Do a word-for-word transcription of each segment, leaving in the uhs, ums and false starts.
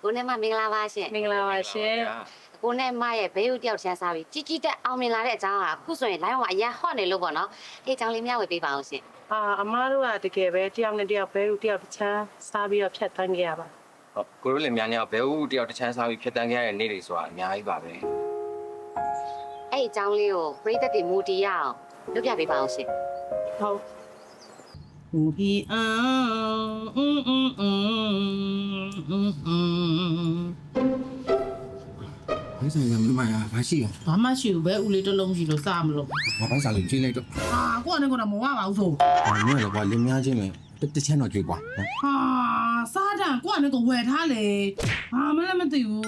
ကိုနဲ့မမင်္ဂလာပါရှင်မင်္ဂလာပါရှင်ကိုနဲ့မရဲ့ဘေးဦးတယောက်ချမ်းစားပြီးជីជីတက်အောင်မြင်လာတဲ့အကြောင်းကအခုဆိုရင် line မှာအရင်ဟော့နေလို့ပေါ့နော်ဒီအကြောင်းလေးမျှဝေပေးပါအောင်ရှင်အာအမားတို့ကတကယ်ပဲတယောက်နဲ့တယောက်ဘေးဦးတယောက်ချမ်းစားပြီးတော့ဖြတ်တန်းခဲ့ရပါဟုတ်ကိုတို့လည်းများများဘဲဦးတယောက်တစ်ချမ်းစားပြီးဖြတ်တန်းခဲ့ရတဲ့နေ့တွေဆိုတာအများကြီးပါပဲအဲ့အကြောင်းလေးကိုပရိသတ်တွေမူတည်ရအောင်လုပ်ပြပေးပါအောင်ရှင်ဟုတ်乌比昂，嗯嗯嗯嗯嗯。 ဘာဆိုင်ရမမရဘာရှိရဘာမှရှိဘူးပဲဦးလေးတစ်လုံးရှိလို့စားမလို့ဘာဘာစားလို့ချင်းလိုက်တော့ဟာကိုကလည်းကတော့မဝပါဘူးဆိုဟာမင်းလည်းကွာလင်းများချင်းပဲတစ်ချမ်းတော့ကြွေးကွာဟာစားတယ်ကိုကလည်းကိုဝယ်ထားလေဟာမလည်းမသိဘူး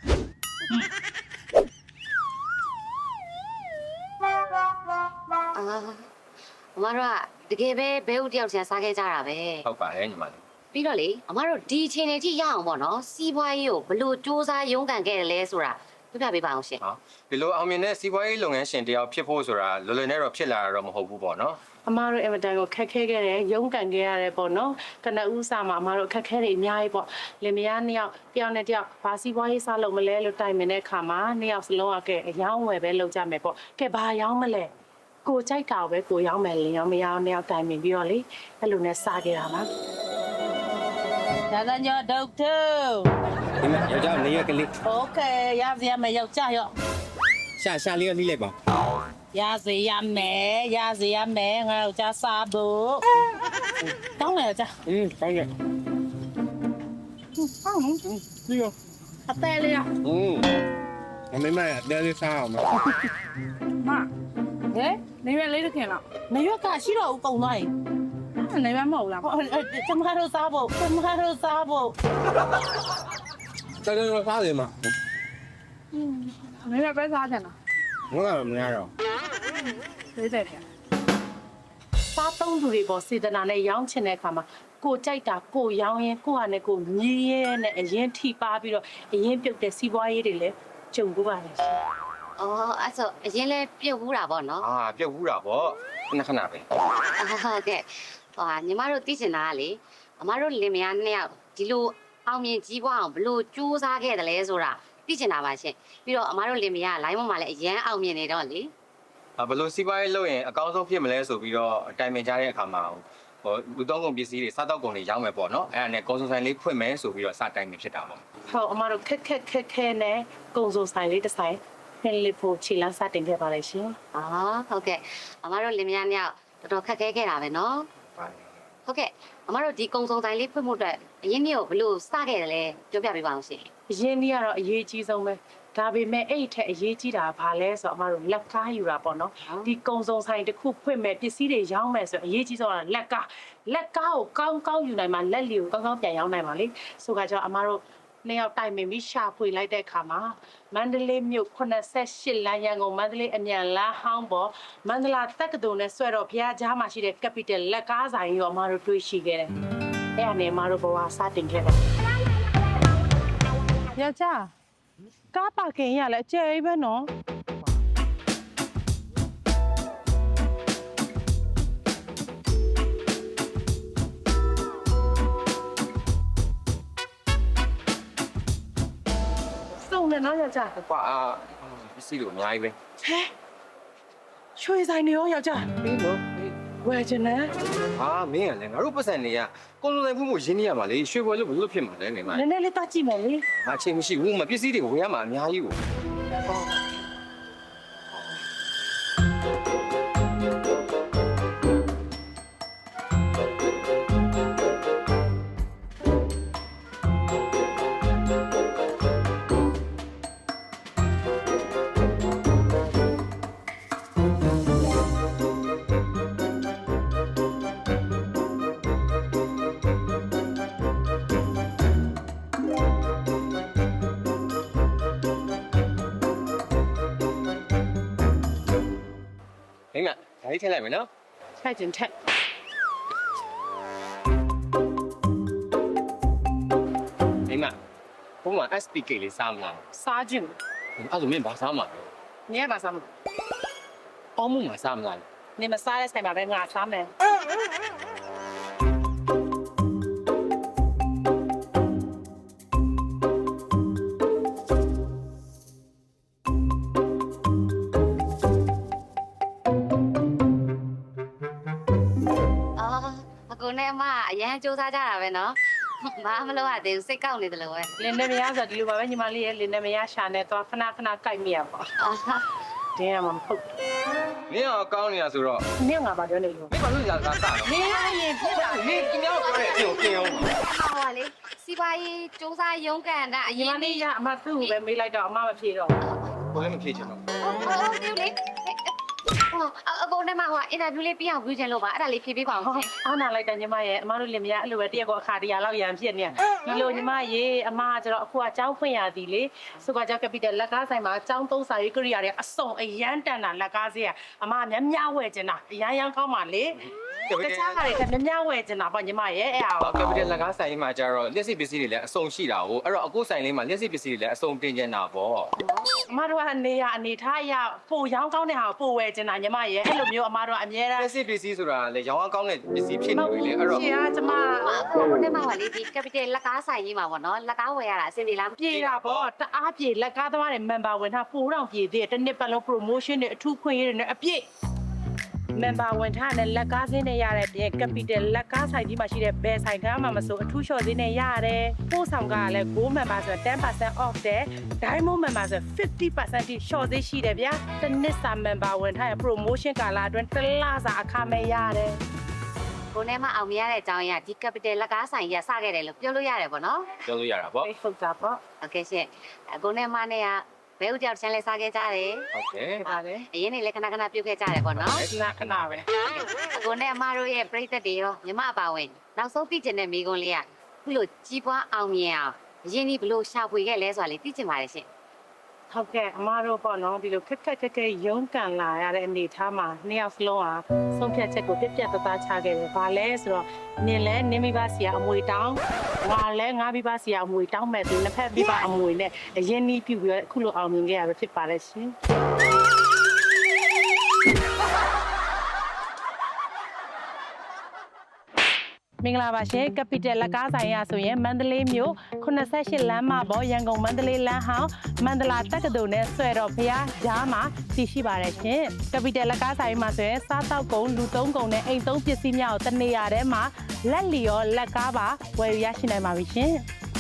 အာအမတို့ကတကယ်ပဲဘေးဦးတယောက်ချမ်းစားခဲ့ကြတာပဲဟုတ်ပါတယ်ညီမလေးပြီးတော့လေအမတို့ဒီအချိန်လေးထိရအောင်ပေါ့နော်စီးပွားရေးကိုဘလို့စူးစမ်းရုန်းကန်ခဲ့တယ်လဲဆိုတာပြပြပေးပါအောင်ရှင်ဟုတ်ဒီလိုအောင်မြင်တဲ့စီးပွားရေးလုပ်ငန်းရှင်တယောက်ဖြစ်ဖို့ဆိုတာလွယ်လွယ်နဲ့တော့ဖြစ်လာတာတော့မဟုတ်ဘူးပေါ့နော်အမားတို့အင်မတန်ကိုခက်ခဲခဲ့တယ်ရုန်းကန်ခဲ့ရတယ်ပေါ့နော်ကနဦးစာမှာအမားတို့ခက်ခဲတွေအများကြီးပေါ့လင်မယားနှစ်ယောက်တယောက်နဲ့တယောက်ဘာစီးပွားရေးစားလုပ်မလဲလို့တိုင်ပင်တဲ့အခါမှာနှစ်ယောက်စလုံးကကဲအယောင်းဝယ်ပဲလုပ်ကြမယ်ပေါ့ကဲဘာအယောင်းမလဲကိုကြိုက်တာပဲကိုရောင်းမယ်လင်ရောမရောင်းနှစ်ယောက်တိုင်ပင်ပြီးတော့လေအဲ့လိုနဲ့စားခဲ့တာပါဒါကညဒေါက်တာဒီမှာယောက်ျားနေရကလေးโอเคရစီရမယ်ယောက်ျားရောရှာရှာလေးကလိလိုက်ပါရစီရမယ်ရစီရမယ်ငါယောက်ျားစားဖို့တောင်းလိုက်ကြอืมတောင်းရဟောင်းနော်ဒီရောအသေးလေးอ่ะอืมမမေမရတဲလေးစားအောင်မမဟဲ့နေရလေးတခင်လားနေရကရှိတော့ဦးကုံသွားရင်နေရမဟုတ်လားကျမတို့စားဖို့ကျမတို့စားဖို့တော်တော်စားတယ်မနေရပဲစားတယ်လားငါကမရတော့သေးတယ်ခင်စားသုံးသူတွေပေါ်စေတနာနဲ့ရောင်းချင်တဲ့အခါမှာကိုကြိုက်တာကိုရောင်းရင်ကိုဟာနဲ့ကိုမြည်ရဲနဲ့အရင်ထိပါပြီးတော့အရင်ပြုတ်တဲ့စီးပွားရေးတွေလည်းကြုံကြပါလေရှင်အော်အဲ့ဆိုအရင်လဲပြုတ်ဘူးတာပေါ့နော်အာပြုတ်ဘူးတာပေါ့ခဏခဏပဲဟုတ်ကဲ့ဟိုဟာညီမတို့သိချင်တာကလေအမတို့လင်မယားနှစ်ယောက်ဒီလိုအောင်မြင်ကြီးပွားအောင်ဘလို့စူးစမ်းခဲ့တယ်လဲဆိုတာသိချင်တာပါရှင်ပြီးတော့အမတို့လင်မယားလိုင်းပေါ်မှာလည်းအရန်အောင်မြင်နေတော့လေဘလို့စီးပွားရေးလုပ်ရင်အကောင်းဆုံးဖြစ်မလဲဆိုပြီးတော့အတိုင်ပင်ကြတဲ့အခါမှာဟိုလူသုံးကုန်ပစ္စည်းတွေစားတောက်ကုန်တွေရောင်းမယ်ပေါ့နော်အဲ့ဒါနဲ့ကုန်စုံဆိုင်လေးဖွင့်မယ်ဆိုပြီးတော့စတိုင်ပင်ဖြစ်တာပေါ့ဟုတ်အမတို့ခက်ခက်ခက်ခဲနဲ့ကုန်စုံဆိုင်လေးတစ်ဆိုင်ဖင်လီဖို့ခြေလမ်းစတင်ခဲ့ပါလေရှင်အော်ဟုတ်ကဲ့အမတို့လင်မယားနှစ်ယောက်တော်တော်ခက်ခဲခဲ့တာပဲနော်ဟုတ်ကဲ့အမတို့ဒီကုံစုံဆိုင်လေးဖွင့်ဖို့အတွက်အရင်နေ့ကိုဘလို့စခဲ့တယ်လဲပြောပြပေးပါအောင်ရှင်အရင်နေ့ကတော့အရေးကြီးဆုံးပဲဒါပေမဲ့အဲ့ထက်အရေးကြီးတာဘာလဲဆိုတော့အမတို့လက်ကားယူတာပေါ့နော်ဒီကုံစုံဆိုင်တစ်ခုဖွင့်မဲ့ပစ္စည်းတွေရောင်းမယ်ဆိုအရေးကြီးဆုံးကလက်ကားလက်ကားကိုကောင်းကောင်းယူနိုင်မှလက်လီကိုကောင်းကောင်းပြန်ရောင်းနိုင်ပါလေဆိုကြတော့အမတို့နှစ်ယောက်တိုင်ပင်ပြီးရှာဖွေလိုက်တဲ့အခါမှာမန္တလေးမြို့ခုနှစ်ဆယ့်ရှစ်လမ်းရန်ကုန်မန္တလေးအမြန်လမ်းဟောင်းပေါ်မန္တလာတက္ကသိုလ်နဲ့ဆွဲတော့ဘုရားကြားမှာရှိတဲ့ Capital လက်ကားဆိုင်ရောအမတို့တွေ့ရှိခဲ့တယ်။အဲ့အနေအမတို့ဘဝစတင်ခဲ့တယ်။ယောက်ျားကားပါကင်ရလဲအကျယ်ကြီးပဲနော်။နဲ့နော်ယောက်ျားကွာအာပစ္စည်းတွေအများကြီးပဲဟဲရွှေဆိုင်နေရောယောက်ျားပြီးတော့ဝယ်ချင်တယ်ဟာမင်းကလည်းငါတို့ပတ်စံတွေကကုန်းလုံးတိုင်းဖူးဖို့ရင်းနေရမှာလေရွှေပွဲလို့ဘယ်လိုဖြစ်မှာလဲနေမှာနည်းနည်းလေးတတ်ကြည့်မယ်လေအချိန်မရှိဘူးမပစ္စည်းတွေဝယ်ရမှာအများကြီးကိုမိမဒါလေးထည့်လိုက်မယ်နော်ထည့်ချင်ထည့်မိမဘုံမှာ S P K လေးစားမလားစားချင်အဲ့ဒါမင်းဘာစားမှာလဲနင်ကဘာစားမလဲအောင်းမှုမှာစားမလားနင်မစားတဲ့ဆိုင်မှာပဲငါစားမယ်အရန်စူးစမ်းကြတာပဲနော်ဘာမလို့ရသေးဘူးစိတ်ကောက်နေတယ်လို့ပဲလင်းနေမရဆိုဒီလိုပါပဲညီမလေးရဲ့လင်းနေမရရှာနေတော့ခဏခဏကြိုက်မိရပါအာတင်းရမှာမဟုတ်နင်းအောင်ကောင်းနေတာဆိုတော့နင်းငါပါပြောနေလို့မင်းဘာလို့ညာကားစားတော့နင်းရရင်ဖြစ်တာနင်းကျွန်တော်ပြောတဲ့အပြင်ကိုပြင်အောင်ဟောလေစီပွားရေးစူးစမ်းရုံးကန်တာအညီရမင်လေးရအမသူ့ကိုပဲမေးလိုက်တော့အမမဖြေတော့ဘယ်လည်းမဖြေချင်တော့ဟုတ်ဟုတ်တယ်လေဟောအကုန်ထဲမှာဟိုအင်တာဗျူးလေးပြအောင်ပြုချင်လို့ပါအဲ့ဒါလေးဖြေပေးပါအောင်ရှင်အားနာလိုက်တာညီမရဲ့အမတို့လင်မယားအဲ့လိုပဲတရက်ကောအခါတရာလောက်ရံဖြစ်နေဒီလိုညီမရေအမကကျတော့အခုကကျောင်းဖွင့်ရသည်လေဆိုကကြောက်ကပီတယ်လက်ကားဆိုင်မှာကျောင်းသုံးစာရေးကရိယာတွေအစုံအရန်တန်တာလက်ကားစေးကအမများများဝယ်ကျင်တာအရန်ရန်ကောင်းပါလေတခြားကတွေကများများဝယ်ကျင်တာပေါ့ညီမရဲ့အဲ့ဟာကပီတယ်လက်ကားဆိုင်မှာကျတော့လက်စစ်ပစ္စည်းတွေလည်းအစုံရှိတာကိုအဲ့တော့အခုဆိုင်လေးမှာလက်စစ်ပစ္စည်းတွေလည်းအစုံတင်ကျင်တာပေါ့အမတို့ကနေရအနေထားရပိုရောင်းကောင်းတဲ့ဟာပိုဝယ်ကျင်တာညီမရဲ့အဲ့လိုမျိုးအမတို့အများအားလက်စစ်ပစ္စည်းဆိုတာလည်းရောင်းအောင်ကောင်းတဲ့ပစ္စည်းဖြစ်နေပြီလေအဲ့တော့ရှင်ကကျမအခုဟိုထဲမှာဟောလေဒီ capital လက်ကားဆိုင်ကြီးမှာပေါ့နော်လက်ကားဝယ်ရတာအဆင်ပြေလားပြေတာပေါ့တအားပြေလက်ကားသမားတွေ member ဝင်ထားပိုတော့ပြေသေးတယ်တစ်နှစ်ပတ်လုံး promotion တွေအထူးခွင့်ရတွေနဲ့အပြည့် member ဝင်ထားတဲ့လက်ကားစင်းနဲ့ရတဲ့ပြင် capital လက်ကားဆိုင်ကြီးမှာရှိတဲ့ဘယ်ဆိုင်ကမှမဆိုအထူးလျှော့ဈေးနဲ့ရတယ်ပို့ဆောင်ကလည်း gold member ဆိုten percent off တဲ့ diamond member ဆိုfifty percent ထိလျှော့ဈေးရှိတယ်ဗျာတစ်နှစ်စာ member ဝင်ထားတဲ့ promotion ကာလအတွင်းတစ်လစာအခမဲ့ရတယ်ကိုနဲ့မအောင်မရတဲ့အကြောင်းအရာဒီ capital လက်ကားဆိုင်ကြီးကစခဲ့တယ်လို့ပြောလို့ရတယ်ပေါ့နော်ပြောလို့ရတာပေါ့ Facebook တာပေါ့โอเคရှင်အကိုနဲ့မနဲ့ကဘဲဥကြောက်ချမ်းလဲစားခဲ့ကြတယ်ဟုတ်ကဲ့ပါလေအရင်နေလဲခဏခဏပြုတ်ခဲ့ကြတယ်ပေါ့နော်ခဏခဏပဲအကိုနဲ့အမတို့ရဲ့ပြိသက်တွေရောမြမအပါဝင်နောက်ဆုံးသိချင်တဲ့မိကွန်းလေးကခုလိုကြီးပွားအောင်မြင်အောင်အရင်ဒီဘလို့ရှာဖွေခဲ့လဲဆိုတာလေးသိချင်ပါတယ်ရှင်ဟုတ်ကဲ့အမတို့ပေါ့နော်ဒီလိုခက်ခက်ခက်ခက်ရုန်းကန်လာရတဲ့အနေထားမှာနှစ်ယောက်စလုံးဟာဆုံးဖြတ်ချက်ကိုပြက်ပြက်သားသားချခဲ့တယ်။ဘာလဲဆိုတော့နင်လဲနင်မိဘစီကအမွေတောင်းငါလဲငါမိဘစီကအမွေတောင်းမဲ့သူနှစ်ဖက်မိဘအမွေနဲ့အရင်နီးပြပြီးတော့အခုလိုအောင်မြင်ခဲ့ရပဲဖြစ်ပါတယ်ရှင်။မင်္ဂလာပါရှင် Capital လက်ကားဆိုင်ရဆိုရင်မန္တလေးမြို့eighty-eightလမ်းမပေါ်ရန်ကုန်မန္တလေးလမ်းဟောင်းမန္တလာတက္ကသိုလ်နဲ့ဆွဲတော်ဖျားကြားမှာတည်ရှိပါတယ်ရှင် Capital လက်ကားဆိုင်မှာဆိုရင်စားတောက်ကုန်လူသုံးကုန်နဲ့အိမ်သုံးပစ္စည်းများကိုတနေရာထဲမှာလက်လီရောလက်ကားပါဝယ်ယူရရှိနိုင်ပါပြီရှင်